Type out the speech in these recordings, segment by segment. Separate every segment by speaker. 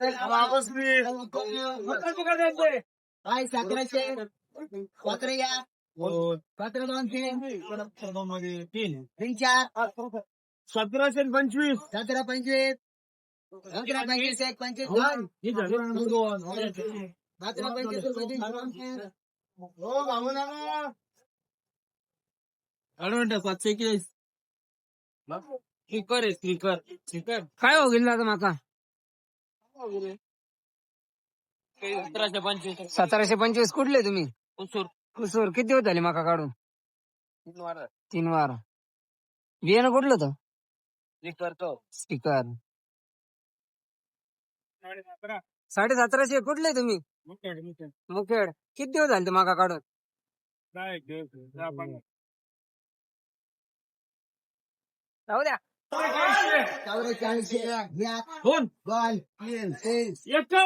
Speaker 1: तीन चार 1725 1725 25 एक 25
Speaker 2: काय हो गेला आता माका 1725 कुठले तुम्ही कुसूर किती दिवस झाले माका काढून 3 वार बियाणं कुठलं होतं स्पीकर 1750 कुठले तुम्ही मुखेड किती दिवस झाले माका काढून जाऊ द्या
Speaker 1: 44 बॉल 44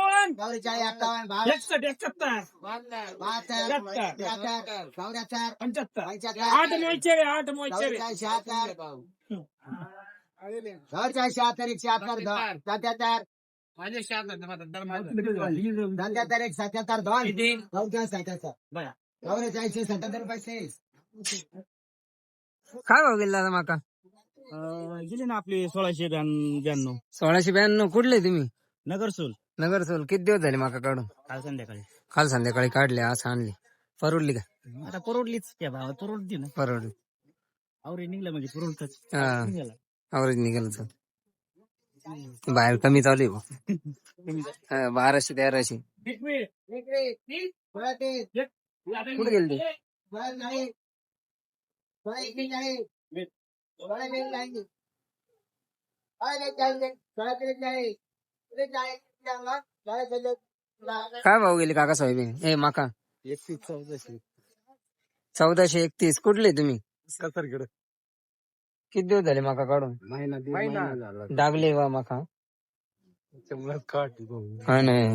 Speaker 2: काय भाव गेला आता माका
Speaker 3: गेले ना आपले 1692
Speaker 2: 1692 कुठले तुम्ही
Speaker 3: नगरसूल
Speaker 2: नगरसोल किती दिवस झाले माका काढून
Speaker 3: काल संध्याकाळी
Speaker 2: काल संध्याकाळी काढले आज आणली परवडली का
Speaker 3: आता परवडलीच त्या भावा परवडली ना
Speaker 2: परवडली
Speaker 3: आवरे निघलं म्हणजे परवडतच
Speaker 2: हा अवरेज निघाल तर बाहेर कमी चालू आहे 1200-1300 कुठे गेले ते काय भाव गेले काका सोयाबीन ए माका 1431 कुठले तुम्ही किती दिवस झाले माका काढून डागले वा माका हा नाही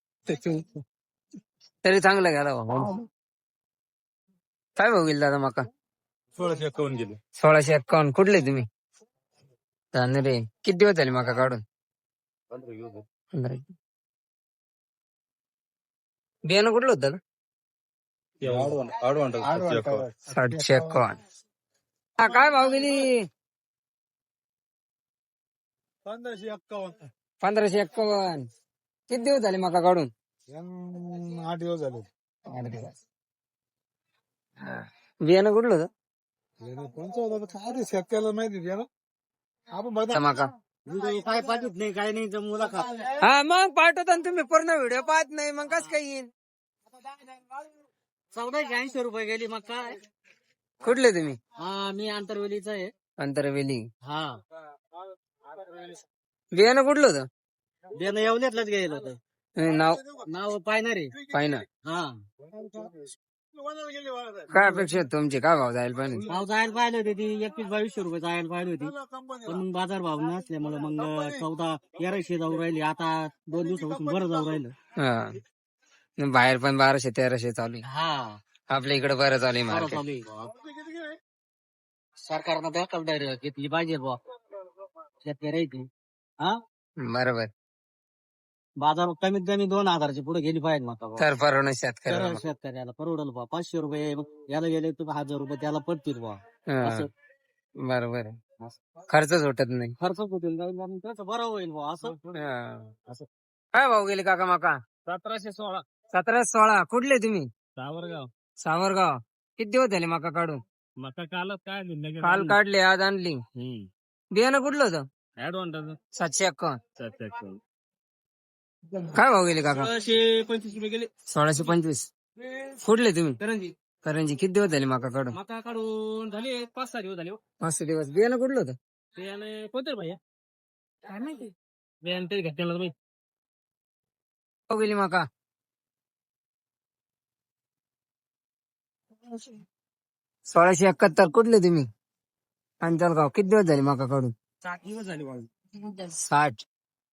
Speaker 2: तरी चांगला गेला काय भाऊ गेला दादा माका
Speaker 3: 1651 गेले
Speaker 2: 1651 कुठले तुम्ही रे किती दिवस झाले माका काढून 15 बियाणं कुठलं होतं 751 हा काय भाव गेली 1551 किती दिवस झाले माका काढून
Speaker 1: 8 दिवस झाले
Speaker 2: 8 दिवस बियाणं कुठलं होतं
Speaker 1: कोणचं होतं काय शेतकऱ्याला माहिती आहे ना आपण बघा
Speaker 2: माका
Speaker 3: काय पाठवत नाही काय नाही मुलाखत
Speaker 2: हा मग पाठवता तुम्ही पूर्ण व्हिडिओ पाहत नाही मग कस काय येईल
Speaker 3: 1480 रुपये गेली मग काय
Speaker 2: कुठले तुम्ही
Speaker 3: हा मी आंतरवेलीचा आहे
Speaker 2: अंतरवेली
Speaker 3: हा
Speaker 2: बियाणं कुठलं होतं
Speaker 3: देणं येवल्यातलंच गेलं होतं
Speaker 2: नाव
Speaker 3: नाव पायनारे
Speaker 2: पाहिना
Speaker 3: हा
Speaker 2: काय अपेक्षा आहे तुमची काय भाव जायला पाहिजे
Speaker 3: भाव जायला पाहिजे होते ती 21-2200 रुपये जायला पाहिजे होती पण मग बाजार भाव नसल्यामुळे मग 1400-1300 जाऊ राहिली आता 2 दिवसापासून बरं जाऊ राहिलं
Speaker 2: हा बाहेर पण 1200-1300 चालू आहे
Speaker 3: हा
Speaker 2: आपल्या इकडे बरं चालू आहे
Speaker 3: बरं
Speaker 2: मार्केट
Speaker 3: चालू आहे. सरकारनं दखल घेतली पाहिजे बुवा शेतकऱ्याची हा
Speaker 2: बरोबर
Speaker 3: बाजार कमीत कमी 2000 पुढे गेली पाहिजे मग
Speaker 2: तर परवडणं
Speaker 3: तर
Speaker 2: शेतकऱ्याला
Speaker 3: शेतकऱ्याला परवडल बा 500 रुपये याला गेले तर 1000 रुपये त्याला पडतील बा
Speaker 2: हा,
Speaker 3: असं
Speaker 2: बरोबर आहे. खर्च सुटत नाही
Speaker 3: खर्च होतील आणि त्याचं बरं होईल बा असं
Speaker 2: हा.
Speaker 3: असं
Speaker 2: काय भाव गेले काका माका
Speaker 3: 1716
Speaker 2: 1716 कुठले तुम्ही
Speaker 3: सावरगाव
Speaker 2: सावरगाव किती दिवस झाले माका काढून
Speaker 3: मका कालच काय
Speaker 2: काल काढले आज आणली बियाणं कुठलं होतं
Speaker 3: ऍडव्हान्स
Speaker 2: 751 काय भाव गेले काका
Speaker 3: 1625 रुपये गेले
Speaker 2: 1625 कुठले तुम्ही
Speaker 3: करंजी
Speaker 2: करंजी किती दिवस झाले माका काढून
Speaker 3: मका काढून झाले 5-6 दिवस झाले
Speaker 2: 5 दिवस बियाणं कुठलं होतं
Speaker 3: त्याने कोणतं भैया काय माहिती बियाणे तरी घेतलेलं तुम्ही
Speaker 2: भाव गेली माका 1671 कुठले तुम्ही अंचलगाव किती दिवस झाले माका काढून
Speaker 3: 7 दिवस झाले
Speaker 2: 60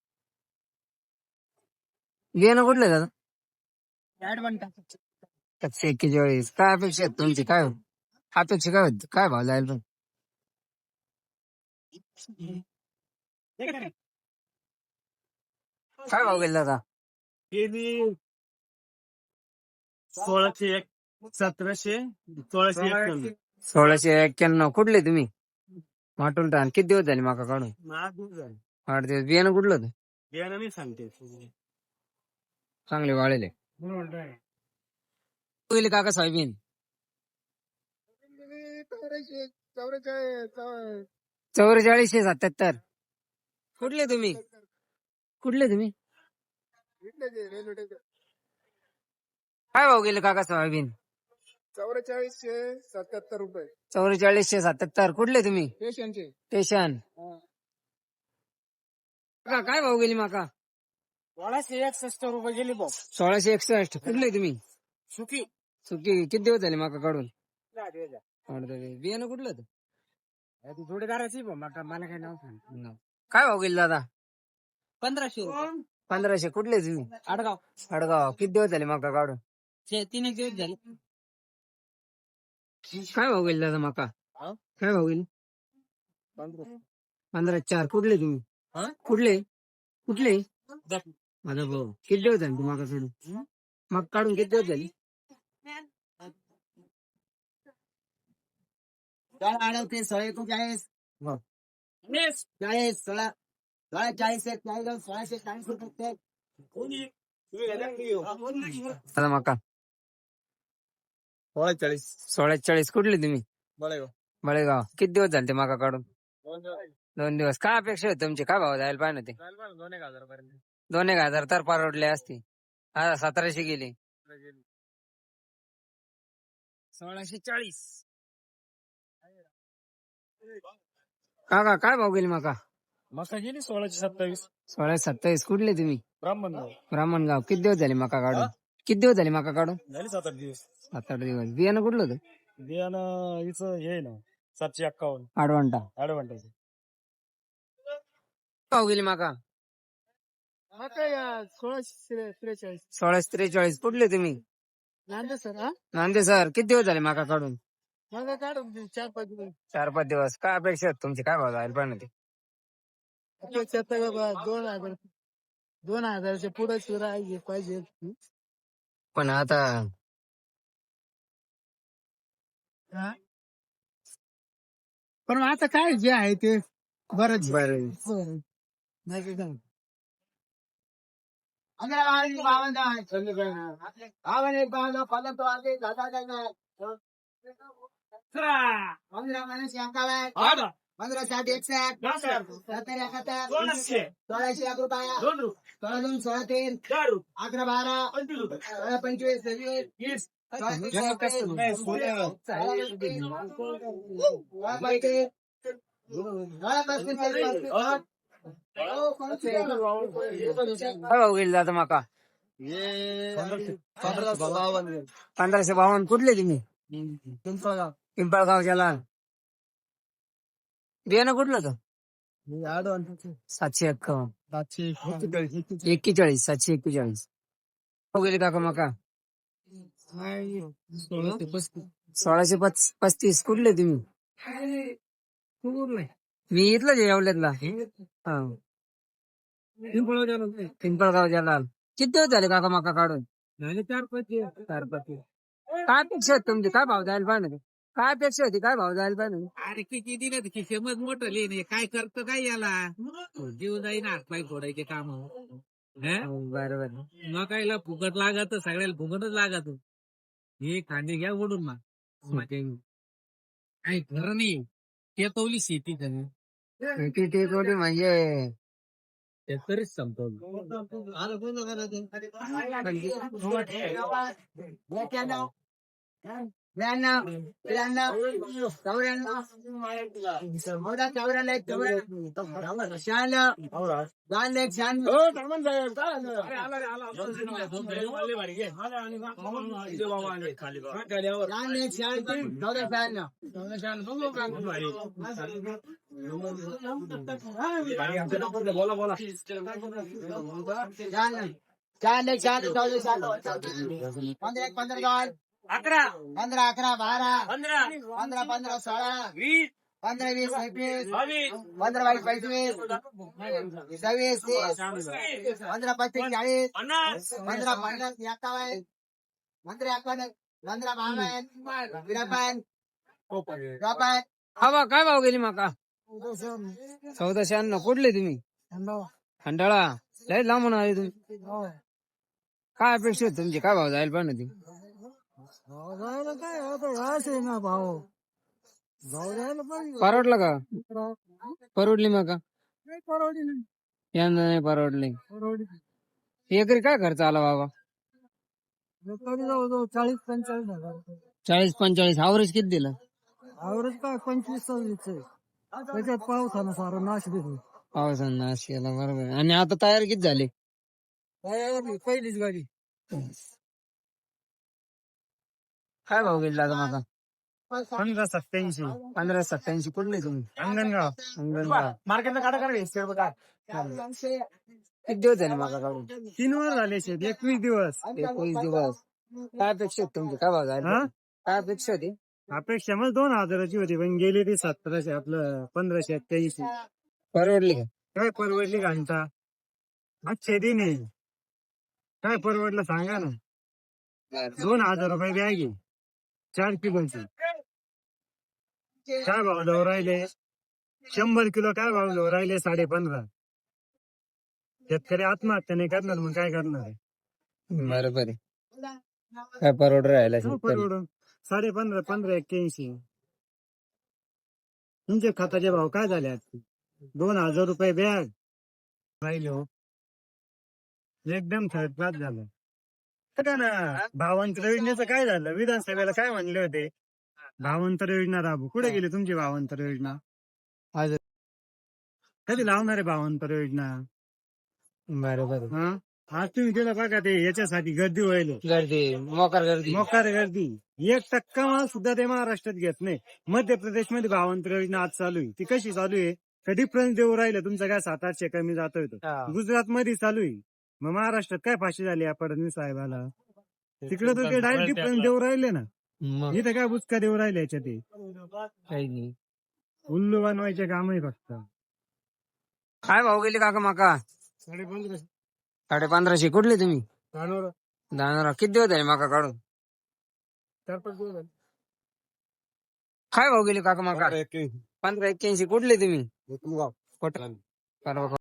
Speaker 2: बियाणं कुठलं दादा
Speaker 3: ऍडव्हान्स
Speaker 2: 741 काय अपेक्षा आहेत तुमची काय अपेक्षा काय होती काय भाव जायला काय भाव गेला दादा?
Speaker 3: 1600 1700 1691
Speaker 2: 1691. कुठले तुम्ही? माटुलटान. किती दिवस झाले माका काढून? 8 दिवस. बियाणं कुठलं होतं?
Speaker 3: बियाणं नाही सांगते
Speaker 2: चांगले वाळेले. गेले काका सोयाबीन? 4477. कुठले तुम्ही? कुठले तुम्ही? काय भाव गेले काका सोयाबीन?
Speaker 1: 4477 रुपये.
Speaker 2: 4477. कुठले तुम्ही?
Speaker 1: पेशंटचे.
Speaker 2: स्टेशन. काय भाव गेली माका?
Speaker 3: 1661 रुपये गेली भाऊ
Speaker 2: 1661. कुठले तुम्ही?
Speaker 3: सुकी
Speaker 2: सुकी. किती दिवस झाले माका काढून? 8 दिवस. बियाणं कुठलं होतं?
Speaker 3: जोडीदाराची मला काय नाव सांग
Speaker 2: काय भाव गेली दादा?
Speaker 3: 1500
Speaker 2: 1500. कुठले तुम्ही?
Speaker 3: आडगाव
Speaker 2: अडगाव. किती दिवस झाले माका काढून?
Speaker 3: 3 दिवस झाले
Speaker 2: काय भाव गेली दादा माका? काय भाव गेली? 15,400. कुठले तुम्ही? कुठले कुठले? माझा भाऊ. किती दिवस झाले माका काढून? मग काढून किती दिवस झाले?
Speaker 3: 40 40
Speaker 2: दादा माका 1640. कुठले तुम्ही? बळेगाव. किती दिवस झाले ते माका काढून? 2 दिवस. काय अपेक्षा आहे तुमची? काय भाव जायला पाहिजे ते? 2,000 तर परवडले असते. हा 1700 गेले. 1640. काका काय भाव गेली माका?
Speaker 3: मका गेली 1627
Speaker 2: 1627. कुठले तुम्ही?
Speaker 3: ब्राह्मण
Speaker 2: ब्राह्मणगाव. किती दिवस झाले माका काढून? किती दिवस झाले माका काढून?
Speaker 3: झाली 7-8 दिवस
Speaker 2: 7-8 दिवस. बियाणं कुठलं होतं?
Speaker 3: बियाणं हिचं हे ना 751
Speaker 2: आडवंटा.
Speaker 3: ऍडव्हान्टेज
Speaker 2: भाव गेली माका?
Speaker 1: 1643.
Speaker 2: 1643. कुठले तुम्ही?
Speaker 1: नांदे सर.
Speaker 2: नांदे सर. किती दिवस झाले माका काढून?
Speaker 1: मला काढून 4-5 दिवस.
Speaker 2: 4-5 दिवस. काय अपेक्षा आहेत तुमची? काय भाव जायला पाहिजे ते?
Speaker 1: अपेक्षा तर बाबा 2000च्या पुढे शिरायला पाहिजे.
Speaker 2: पण आता
Speaker 1: पण आता काय जे आहे ते बरंच
Speaker 2: बरं.
Speaker 1: नाही काय सांग.
Speaker 2: काय भाव गेली जातं माका? 1552. कुठले तुम्ही? पिंपळगाव लाल. बियाणं कुठलं होतं? 751. 41. 741. भाव गेली काका माका? 1635. कुठले तुम्ही? मी इथलं येवल्यातला. हा. पिंपळगाव लाल. किती दिवस झाले काका माका काढून? 4-5 दिवस. काय अपेक्षा होती तुमची? काय भाव जायला पाहिजे? काय अपेक्षा होती? काय भाव जायला पाहिजे?
Speaker 3: अरे किती दिलं किशेमत मोठं लिहिणे काय करतो काय याला जीव जाईन हातपाय फोडायचे काम
Speaker 2: बरोबर.
Speaker 3: मकाईला फुकट लागत सगळ्याला फुकटच लागत हे खांदे घ्या ओढून मग काही खरं नाही शेतवली शेती
Speaker 2: टेकवली म्हणजे
Speaker 3: शेतकरीच संपतो बोला बोला
Speaker 1: 15 11 12 15 15 16 20
Speaker 3: 15, 20, 21, 15, 22, 25, 26, 30, 15, 35, 40, 15, 50, 51, 15, 51, 15, 52, 53, 54.
Speaker 2: हा बा काय भाव गेली माका 1496. कुठले तुम्ही खंडाळा लय लांबून आले तुम्ही. काय अपेक्षा होती तुमची काय भाव जायला पाहिजे ती
Speaker 1: काय होतं ना भाऊ भाऊ जायला पाहिजे
Speaker 2: परवडलं का परवडली माका
Speaker 1: नाही परवडी नाही
Speaker 2: यंदा नाही परवडले.
Speaker 1: परवडी
Speaker 2: एकरी काय खर्च आला बाबा
Speaker 1: तरी जवळजवळ 40-45 हजार
Speaker 2: 40-45 अवरेज किती दिलं
Speaker 1: आवरेज काय 25-26 आहे त्याच्यात पावसानं सारं नाश दिली
Speaker 2: पावसानं नाश केला बरोबर आहे. आणि आता तयार किती झाले
Speaker 1: पहिलीच गाडी
Speaker 2: काय भाव गेला आता माका
Speaker 1: 15-87
Speaker 2: 1587. कुठले तुम्ही
Speaker 1: अंगणगाव
Speaker 2: अंगणगाव
Speaker 1: मार्केटला काढा काढा
Speaker 2: किती दिवस झाले माका काढून
Speaker 1: 3 वर झाले 21 दिवस
Speaker 2: 21 दिवस. काय अपेक्षा होती तुमची काय भाव जायला
Speaker 1: हा?
Speaker 2: पाहिजे? काय अपेक्षा होती
Speaker 1: अपेक्षा मग 2000ची होती पण गेली ती 1700 आपलं 1587
Speaker 2: परवडली का
Speaker 1: काय परवडली घंटा अच्छे दिन आहे काय परवडलं सांगा ना 2000 रुपये बॅग आहे 4 किलोची काय भाव लावून राहिले 100 किलो काय भाव लावून राहिले 15.5. शेतकरी आत्महत्या नाही करणार मग काय करणार आहे?
Speaker 2: बरोबर आहे. काय परवड राहिला
Speaker 1: हो, परवडून 15.5 1581. तुमचे खताचे भाव काय झाले आज 2000 रुपये बॅग राहिले हो एकदम थर्ड क्लास झालं का ना. भावांतर योजनेचं काय झालं विधानसभेला काय म्हणले होते भावांतर योजना राबू कुठे गेली तुमची भावांतर योजना
Speaker 2: आज
Speaker 1: कधी लावणार आहे भावांतर योजना
Speaker 2: बरोबर
Speaker 1: हा आज तुम्ही केलं बघा ते याच्यासाठी गर्दी व्हायला
Speaker 2: गर्दी मोकार गर्दी
Speaker 1: मोकार गर्दी 1% माल सुद्धा ते महाराष्ट्रात घेत नाही. मध्य प्रदेशमध्ये भावांतर योजना आज चालू आहे ती कशी चालू आहे का डिफरन्स देऊ राहिलं तुमचं काय 700-800 कमी जातोय तो गुजरात मध्ये चालू आहे. मग महाराष्ट्रात काय फाशी झाली या फडणवीस साहेबाला तिकडे तर ते डायरेक्ट डिफरन्स देऊ राहिले ना
Speaker 2: मग
Speaker 1: इथे काय बुचका देऊ राहिले याच्या ते
Speaker 2: काही नाही.
Speaker 1: उल्लू बनवायचे काम आहे फक्त.
Speaker 2: काय भाव गेले काका माका
Speaker 1: 15.5
Speaker 2: 1550. कुठले तुम्ही दानोरा. किती दिवस झाले माका काढून
Speaker 1: 4-5 दिवस झाले.
Speaker 2: काय भाव गेले काका माका 1581. कुठले तुम्ही परवा